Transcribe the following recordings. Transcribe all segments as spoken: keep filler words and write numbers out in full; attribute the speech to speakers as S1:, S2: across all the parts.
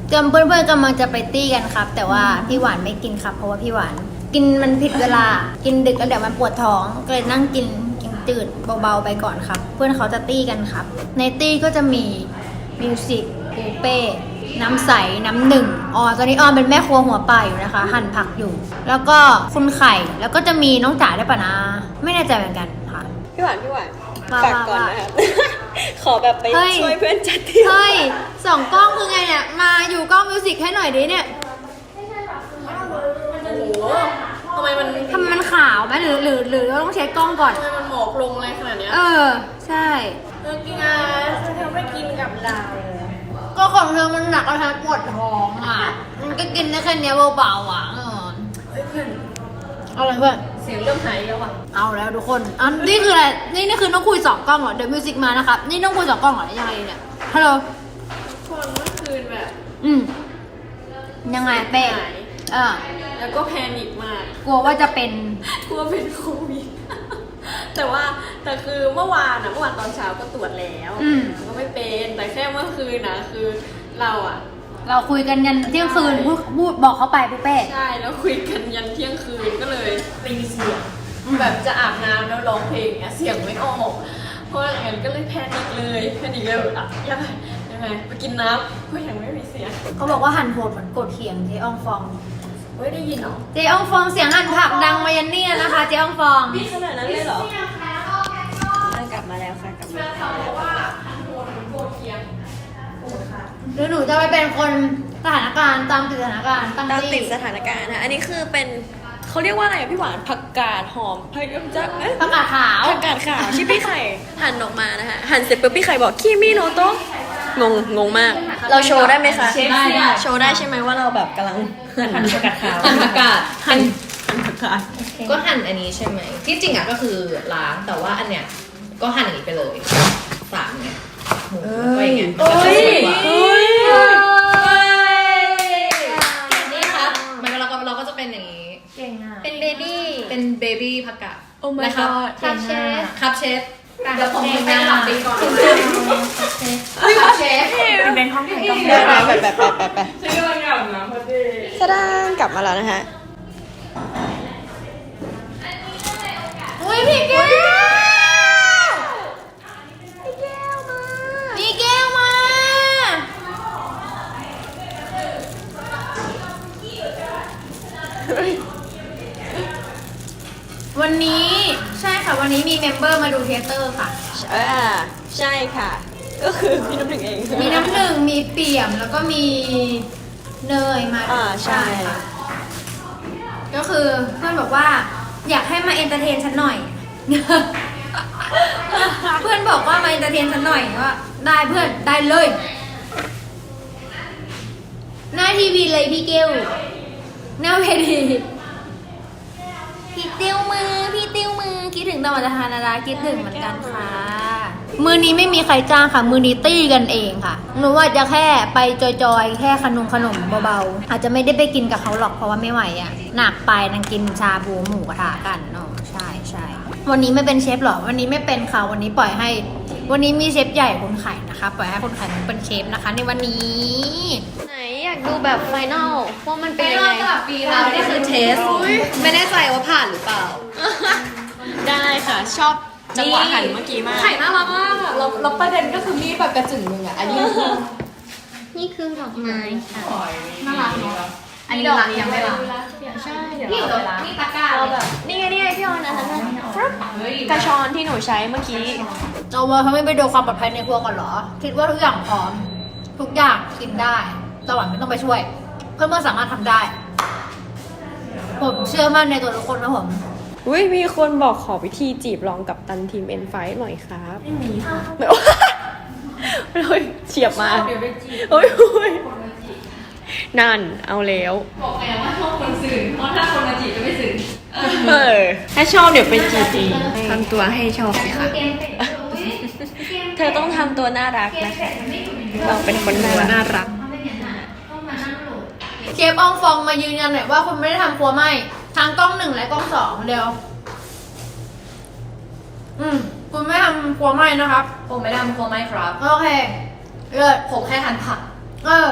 S1: กำเพื่อนๆกำลังจะไปตี้กันครับ แต่ว่าพี่หวานไม่กินครับเพราะว่าพี่หวานกินมันผิดเวลากินดึกแล้วเดี๋ยวมันปวดท้องก็เลยนั่งกินกินจืดเบาๆไปก่อนครับ เพื่อนเขาจะตี้กันครับ ในตี้ก็จะมีมิวสิกปูเป้น้ำใสน้ำหนึ่งอ๋อตอนนี้ออมเป็นแม่ครัวหัวป่าอยู่นะคะ หั่นผักอยู่ แล้วก็คุณไข่แล้วก็จะมีน้องจ๋าได้วยปะนะไม่แน่ใจเหมือนกันค่ะ
S2: พี่หวานพี่หวาน
S1: ว่า
S2: ฝากก่อน
S1: ว่า
S2: นะครับ ขอแบบไป
S1: เฮ้ย
S2: ช่วยเพื่อนจัดที่
S1: เฮ้ยสองกล้องคือไงเนี่ยมาอยู่กล้องมิวสิกให้หน่อยดิเนี่ย
S2: โอ้โหทำไมมัน
S1: ทำไมมันขาวไหมหรือหรือหรือเราต้องเช็คกล้องก่อน
S2: ทำไมมันหมอกลงอะไรขนาดเนี้ย
S1: เออ ใช่
S2: เออกินอ่ะเธอไม่กินกับเรา
S1: ก็ของเธอมันหนักแล้วเธอปวดท้องอ่ะ มันก็กินได้แค่เนี้ยเบาๆอ่ะเออ
S2: เฮ้ยเพื่อน
S1: เอาอะไรเพื่อน
S2: เสียงเริ่มหายแล้วอ่ะ
S1: เอาแล้วทุกคนอันนี่คืออะไร นี่นี่คือต้องคุยสองกล้องเหรอ เดี๋ยวมิวสิกมานะครับ นี่ต้องคุยสองกล้องเหรอยังไงเนี่ย ฮัลโหล
S2: คนเมื่อคืนแบบ
S1: อืม ยังไงเป้
S2: หาย
S1: เออ
S2: แล้วก็แพนิคมาก
S1: กลัวว่าจะเป็น
S2: กลัวเป็นโควิด แต่ว่าแต่คือเมื่อวานอะเมื่อวานตอนเช้าก็ตรวจแล้ว
S1: อืม
S2: ก็ไม่เป็นแต่แค่เมื่อคืนนะคือเราอะ
S1: เราคุยกันยันเที่ยงคืนพูดพูดบอกเขาไปปุ๊เป้
S2: ใช่แล้วคุยกันยันเที่ยงคืนก็เลยตีเสียงแบบจะอาบน้ำแล้วร้องเพลงเนี้ยเสียงไม่ออกเพราะอย่างนั้นก็เลยแพนิคเลยแพนิคเลยแบบอ่ะยังไงยังไงไปกินน้ำก็ยังไม่มีเสียง
S1: เขาบอกว่าหันโหดเหมือนกดเขียงเจ๊อองฟอง
S2: เฮ้ยได้ยินเหรอ
S1: เจ๊อองฟองเสียงหันผักดังมายันเนี่ยนะคะเจ๊อองฟอง
S2: พี่ขนาดนั้นเลยเหรอกลับมาแล้วค่ะกลับมาแล้วว่าโหดเหมือนโกดเคียง
S1: หรือหนูจะไปเป็นคนสถานการณ์ตามติดสถานการณ์ตั้ง
S2: ตาม
S1: ที่
S2: ติดสถานการณ์นะอันนี้คือเป็นเขาเรียกว่าอะไรอะพี่หวานผักกาดหอมผักจะเอ๊ะ
S1: ประกาศขาว
S2: ผักกาดขาวที่พี่ไข่หั่นออกมานะคะหั่นเสร็จปุ๊บพี่ไข่บอกคีมิโนโตะงงงงมาก เราโชว์ได้ไหมคะ
S1: ได้ได้
S2: โชว์ได้ใช่ไหมว่าเราแบบกำลังหั่นผักกาดขาว
S3: หั่นผักกาด
S2: หั่นหั่นผักกาด
S3: ก็หั่นอันนี้ใช่ไหมที่จริงอ่ะก็คือล้างแต่ว่าอันเนี้ยก็หั่นอย่างนี้ไปเลยสามเนี่ยหมูก็อย่างเงี้ยมันก็จะสวยกว่า
S2: เฮ้ย
S3: นี่ครับมันก็เราก็เราก็จะเป็นอย่างนี้
S1: เก่งอ่ะ
S3: เป็นเบบี้เป็นเบบี้ผักกาด
S2: โอ้ my
S3: นะครับ
S2: god
S1: ครับเชฟ
S3: ครับเชฟ
S1: การ
S3: เดี๋ยวผม
S1: เชฟ
S3: ไปหลับตีก่อน
S1: ครับเชฟ
S2: เป็นห้องถ่ายกล้องได้ไหมแบบแบบแบบแบบฉันกำลังอาบน้ำพอดีสดานกลับมาแล้วนะคะ
S1: อุ้ยพี่แก้วพี่แก้วมาพี่แก้วมาวันนี้ใช่ค่ะวันนี้มีเมมเบอร์มาดูเทเตอร์ค่ะ
S2: อ่าใช่ค่ะ ก็คือพี่น้ำหนึ่งเอง
S1: มีน้ำหนึ่งมีเปี่ยมแล้วก็มีเนยมา
S2: อ่าใช่
S1: ค่ะ ก็คือเพื่อนบอกว่าอยากให้มาเอนเตอร์เทนฉันหน่อย เพื่อนบอกว่ามาเอนเตอร์เทนฉันหน่อยว่าได้เพื่อนได้เลย หน้าทีวีเลยพี่เกลหน้าเวทีพี่ติ้วมือพี่ติ้วมือคิดถึงตะวันทานาราคิดถึงเหมือนกันค่ะ มือนี้ไม่มีใครจ้างค่ะ มือนี้ตี้กันเองค่ะหนูว่าจะแค่ไปจอยๆแค่ขนมขนมเบาๆอาจจะไม่ได้ไปกินกับเขาหรอกเพราะว่าไม่ไหวอ่ะหนักไปนั่งกินชาบูหมูกระทะกันเนาะใช่ใช่วันนี้ไม่เป็นเชฟหรอวันนี้ไม่เป็นค่ะวันนี้ปล่อยให้ วันนี้มีเชฟใหญ่คุณไข่นะคะปล่อยให้คุณไข่เป็นเชฟนะคะ ในวันนี้
S2: ไหนอยากดูแบบไฟนอลว่ามันเป็นยังไง
S3: เรานี่คือเทสไม่แน่ใจว่าผ่านหรือเปล่า
S2: ได้ค่ะ ชอบจังหวะหันเมื่อกี้มาก
S3: ไข่น่ารักมากอะเราเราประเด็นก็คือมีดแบบกระจึงหนึ่งอ่ะอันนี้คือ
S1: นี่คือดอกไม้ค่ะ
S3: น่ารักเนาะอันนี้รักยังไม่รักใช่เดี๋ยวเราไปล้างนี่ตะกร้า
S2: เราแบบนี่ไงนี่ไงพี่ออนนะนั่นนะฟรึ๊บกระชอนที่หนูใช้เมื่อกี้
S1: เอาว่าเขาไม่ไปดูความปลอดภัยในครัวก่อนเหรอ คิดว่าทุกอย่างพร้อม ทุกอย่างกินได้ตะวันไม่ต้องไปช่วย เพื่อนๆสามารถทำได้ ผมเชื่อมั่นในตัวทุกคนนะผม
S2: อุ้ยมีคนบอกขอวิธีจีบลองกับตันทีม เอ็น ไฟว์ หน่อยครับไม่มีค่ะเลยเฉียบมาโอ้ยโอ้ยนั่นเอาแล้ว
S3: บอกไงว่าชอบคนสื่อเพราะถ้าคนมาจีบจะไม่สื่อ
S2: เออถ้าชอบเดี๋ยวเป็นจีจีทำตัวให้ชอบสิคะเธอต้องทำตัวน่ารักนะคะเราเป็นคนตัวน่ารัก
S1: เชฟอองฟองมายืนยันหน่อยว่าคุณไม่ได้ทำครัวไหมทางกล้องหนึ่งและกล้องสองเดียว อืม คุณไม่ทำครัวไหมนะครับ
S3: ผมไม่ได้ทำครัวไม่ครับ
S1: โอเคเลิศ
S3: ผมแค่หั่นผัก
S1: เออ
S3: ส่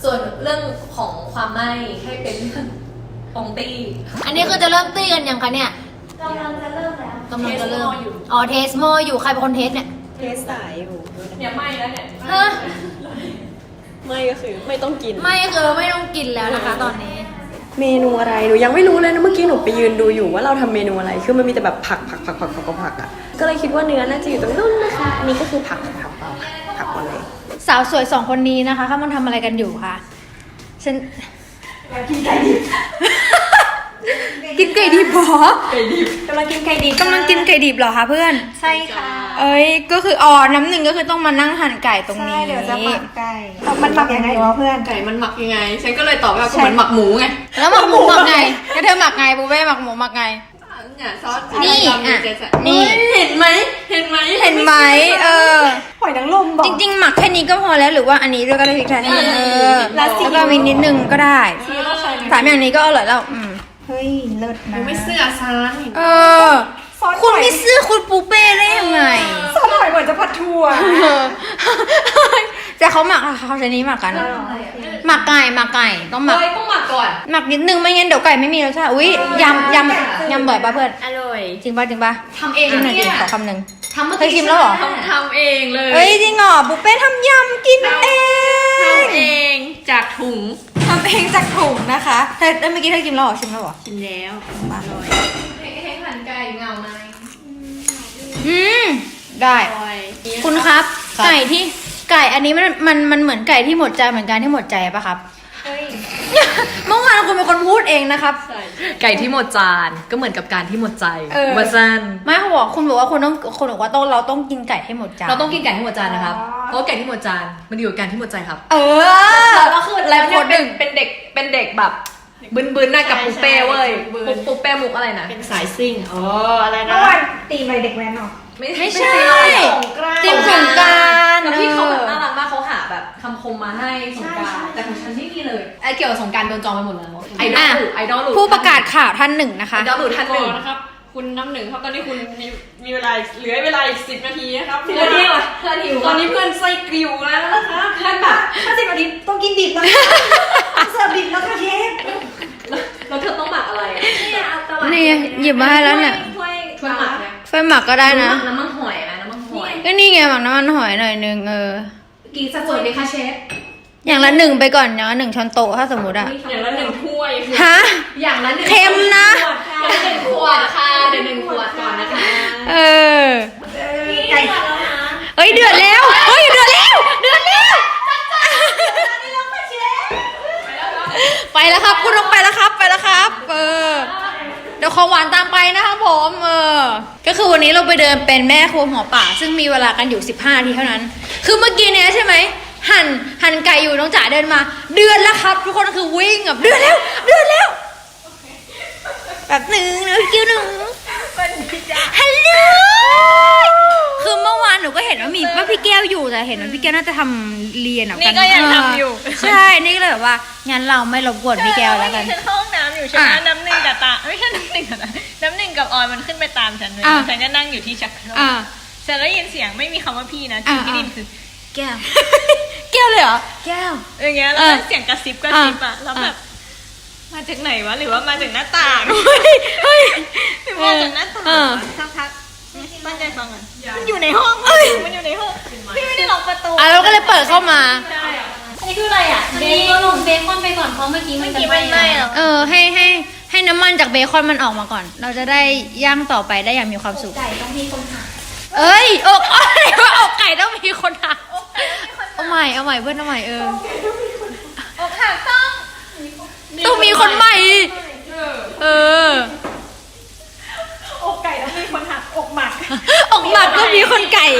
S2: ส่วนเรื่องของความไหม้ให้เป็นเรื่องปองตี้
S1: อันนี้คือจะเริ่มตีกันยังคะเนี่ย
S4: กำลังจะเริ่มแล้ว
S1: กำลังจะเริ่ม
S2: เทสโมอยู่
S1: อ๋อเทสโมอยู่ใครเป็นคนเทสเนี่ย
S4: เทสสายอยู่
S2: เนี่ยไหม้แล้วเนี่ย
S1: ฮะ
S4: ไม่ก็คือไม่ต้องกิน
S1: ไม่คือไม่ต้องกินแล้วนะคะตอนนี้
S4: เมนูอะไรหนูยังไม่รู้เลยนะเมื่อกี้หนูไปยืนดูอยู่ว่าเราทำเมนูอะไรคือมันมีแต่แบบผักผักผักผักผักผักผักอ่ะก็เลยคิดว่าเนื้อน่าจะอยู่ตรงนู้นนะคะอันนี้ก็คือผักผักเปล่าผักหมดเลย
S1: สาวสวยสองคนนี้นะคะเขามันทำอะไรกันอยู่คะฉัน
S4: กินไก่ดิบ
S1: กินไก่ดิบเหรอ
S4: กำลังกินไก่ดิบ
S1: กำลังกินไก่ดิบเหรอคะเพื่อน
S4: ใช่ค่ะ
S1: เอ้ยก็คืออ๋อน้ำหนึ่งก็คือต้องมานั่งหั่นไก่ตรงนี้
S4: ใช่เดี๋ยวจะหมักไก่มันหมักยังไงวะเพื่อน
S2: ไก่มันหมักยังไง ฉันก็เลยตอบว่าก็เหมือนหมักหมูไง
S1: แล้วหมักหมูหมักไงก็เธอหมักไงบูเบ้หมักหมูหมักไง
S2: เนี่ยซอส
S1: นี่
S2: อ่ะ
S1: อ่ะนี่
S2: เห็นไหมเห็นไหม
S1: เห็นไหมเออ
S4: หอยนางรมบอก
S1: จริงๆ หมักแค่นี้ก็พอแล้วหรือว่าอันนี้ด้วยก็ได้พริกไทยให้เออ
S4: แล้
S1: แล้ว
S4: ซีอิ๊ว
S1: ก็มีนิดนึงก็ได้
S4: ซีอิ๊วต้องใช้ไหม
S1: สามอย่างนี้ก็อร่อยแล้วอืม
S4: เฮ้ยเลิศนะ
S2: ไม่เสื้อซาน
S1: เออ
S4: ซอส
S1: คุณ
S4: หอย
S1: ไม่ซื้อคุณปูเป้ได้ยังไง
S4: ซอสหอยเหมือนจะผัดถั่ว
S1: เออแต่เขาหมักอะเขาใช้นี้หมักกัน หมักไก่หมักไก่ต้องหมัก
S2: เฮ้ยต้องหมักก่อน
S1: หมักนิดนึงไม่งั้นเดี๋ยวไก่ไม่มีรสชาติอุ้ยยำยำยำบ่อยป่ะเพื่อน
S2: อร่อย
S1: จริงป่ะจริงป่ะ
S2: ทำเอง
S1: ชิมหน่อยดิ
S2: เนี่ย
S1: ขอคำหนึ่ง
S2: ทำเมื่อ
S1: เคย
S2: กี้
S1: ชิมแล้วเหรอ
S2: ทำทำเองเลย
S1: เอ้ยจริงเหรอปูเป้ทำยำกินเอง
S2: ทำเองจากถุง
S1: ทำเองจากถุงนะคะเธอเมื่อกี้เธอชิมแล้วเหรอชิมแล้วเหรอ
S2: ชิมแล้วอร่อยให้ให้หั่นไก่เงาไหม
S1: อืมได้
S2: อร่อย
S1: คุณครับ ไก่ที่ไก่อันนี้มันมันมันเหมือนไก่ที่หมดใจเหมือนกันที่หมดใจปะครับ
S4: เฮ้ย
S1: เมื่อวานคุณเป็นคนพูดเองนะครับ
S2: ใช่
S3: ไก่ที่หมดจานก็เหมือนกับการที่หมดใจ
S1: เออ
S3: มาสั้น
S1: ไม่เขาบอกคุณบอกว่าคุณต้องคุณบอกว่าต้องเราต้องกินไก่ให้หมดจาน
S3: เราต้องกินไก่ที่หมดจานนะครับ เพราะว่าไก่ที่หมดจานมันดีกว่าการที่หมดใจครับ
S1: เออ
S3: แล้วคือ
S1: ไล
S3: แล้ว
S1: ฟ์โค้
S3: เนี่ย
S1: ดห
S3: เป็
S1: นึ่
S3: น
S1: ง
S3: เป็นเด็กเป็นเด็กแบบบึนๆน่ะกับปุ๊เป้เว้ยปุ๊ปุ๊เป้มุกอะไรนะ
S2: เป็นสายซิ่งอ๋ออะไรนะ
S4: เมื่อวานตีมอะไรเด็กแว้นเหรอ
S1: ไม่ใช่
S3: ตีอะไรหรอก
S1: ตีมสงกรานต์
S3: แล้วพี่เขาแบบ
S1: เออ
S3: น่ารักมากเขาหาแบบคำคมมาให้สงกรารแต่ของฉันไม่มีเลยไอเกี่ยวกับสงกรารโดนจองไปหมดแล้วไอดอลหลุดไอดอลหลุด
S1: ผู้ประกาศข่าวท่านหนึ่งนะคะ
S3: ไอดอลหลุดท่านหนึ่ง
S2: นะครับ คุณน้ำหนึ่งครับตอนนี้คุณมีมีเวลาเหลือเวลาอีกสิบนาทีนะครับ
S3: เพื่อนหิวเพื่อนหิว
S2: ตอนนี้เพื่อนไส้กริวแล้วนะคะเพื่อนแบบ
S4: ถ้าสิบนาทีต้องกินดิบนะเสิร์ฟดิบแล้วค่ะเชฟ
S3: แล้วเธอต้องหมักอะไรอะ
S1: นี่หยิบมาให้แล้วเนี่ย
S2: ถ้วย
S3: ช่วยหมักเนี่ย
S1: ไฟหมักก็ได้นะ
S3: น้ำมันหอยไหมน้ำมันหอย
S1: ก็นี่ไงหมักน้ำมันหอยหน่อยนึงเออ
S3: กี่สัดส่วนดีคะเชฟ
S1: อย่างละหนึ่งไปก่อนอย่างละหนึ่งช้อนโต๊ะถ้าสมมติอะ
S2: อย่างละหนึ่งถ้วย
S1: ฮะ
S3: อย่างละหนึ่ง
S1: เค็มนะ
S3: อย่างละหนึ่งขวดค่ะเดี๋ยวหนึ่งขวดก่อนนะคะ
S1: เออ
S4: ไก่
S1: เฮ้ยเดือดแล้ว เฮ้ยเดือดแล้ว เดือดแล้ว ไปแล้วครับ คุณต้องไปแล้วครับ ไปแล้วครับ เออ เดี๋ยวขอหวานตามไปนะครับผม เออ ก็คือวันนี้เราไปเดินเป็นแม่ครัวหัวป่า ซึ่งมีเวลากันอยู่สิบห้านาทีเท่านั้น คือเมื่อกี้เนี้ยใช่ไหม หั่น หั่นไก่อยู่น้องจ๋าเดินมา เดือดแล้วครับ ทุกคนคือวิ่งแบบเดือดแล้ว เดือดแล้ว แบบหนึ่งนะพี่กิ้วหนึ่งฮัลโหล คือเมื่อวานหนูก็เห็นว่ามีว่าพี่แก้วอยู่แต่เห็นว่าพี่แก้วน่าจะทำเรียนอ่ะ
S2: นี่ก็ยังทำอยู่
S1: ใช่ นี่ก็เลยแบบว่างั้นเราไม่รบกวนพี่แก้วแล้วกัน
S5: ฉันเข้าห้องน้ำอยู่ใช่ไหม
S1: อ่ะ
S5: น้ำหนึ่งกับตาไม่ใช่น้ำหนึ่งกับตาน้ำหนึ่งกับออยมันขึ้นไปตามฉันเลย
S1: อ่ะ
S5: ฉันก็นั่งอยู่ที่ชักโครก
S1: อ่า
S5: ฉันได้ยินเสียงไม่มีคำว่าพี่นะ
S1: อ่ะ
S5: ที่ได้ยินคือแก้ว
S1: แก้วเลยเหรอ แก้ว
S5: อย่างเงี้ยแล้ว
S1: อ่ะ
S5: ก็เสียงกระซิบกระซิบอะแล้วแบบมาจากไหนวะหรือว่ามาจากหน้าต่าง
S1: เฮ้ยเฮ้ย
S5: หรือมาจากหน้าต่าง
S1: เออ
S5: วะสักพักตั้งใจฟังอ่ะมันอยู่ในห้องมันอยู่ในห้องพี่ไม่ได้ล็อกประตู
S1: อ่ะเราก็เลยเปิดเข้ามา
S5: อันนี้คืออะไรอ่ะ
S1: เบคอนลงเบคอนไปก่อนเพราะเมื่อกี้มัน
S5: เมื่อกี้มันไหม้เหรอ
S1: เออให้ให้ให้น้ำมันจากเบคอนมันออกมาก่อน เราจะได้ย่างต่อไปได้อย่างมีความสุข
S4: ไก่ต้องมีคนหา
S1: เอ้ยอกอะไรว่าอกไก่ต้องมีคนหักเอาใหม่เอาใหม่เพื่อนเอาใหม่เออ
S5: อกหักต้อง
S1: ต้องมีคนใหม่ เออ
S4: อกไก่ต้องมีคนหักอกหมัก
S1: ออกหมัดก็มีคนไก่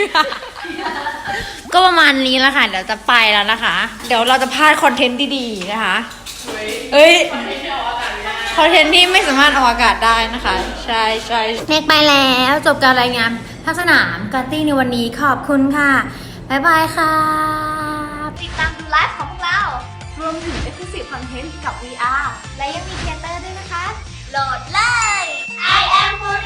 S1: ก็ประมาณนี้แล้วค่ะ เดี๋ยวจะไปแล้วนะคะ เดี๋ยวเราจะพลาดคอนเทนต์ดีๆนะคะ เอ้ย คอนเทนต์ที่ไม่สามารถออกอากาศได้นะคะ ใช่ใช่เมกไปแล้วจบการรายงานภาคสนามการตี้ในวันนี้ขอบคุณค่ะ บ๊ายบายค่ะ
S6: ติดตามดูไลฟ์ของพวกเรา รวมถึง Exclusive Content กับ วี อาร์ และยังมีเทเตอร์ด้วยนะคะ โหลดเลย I am f o r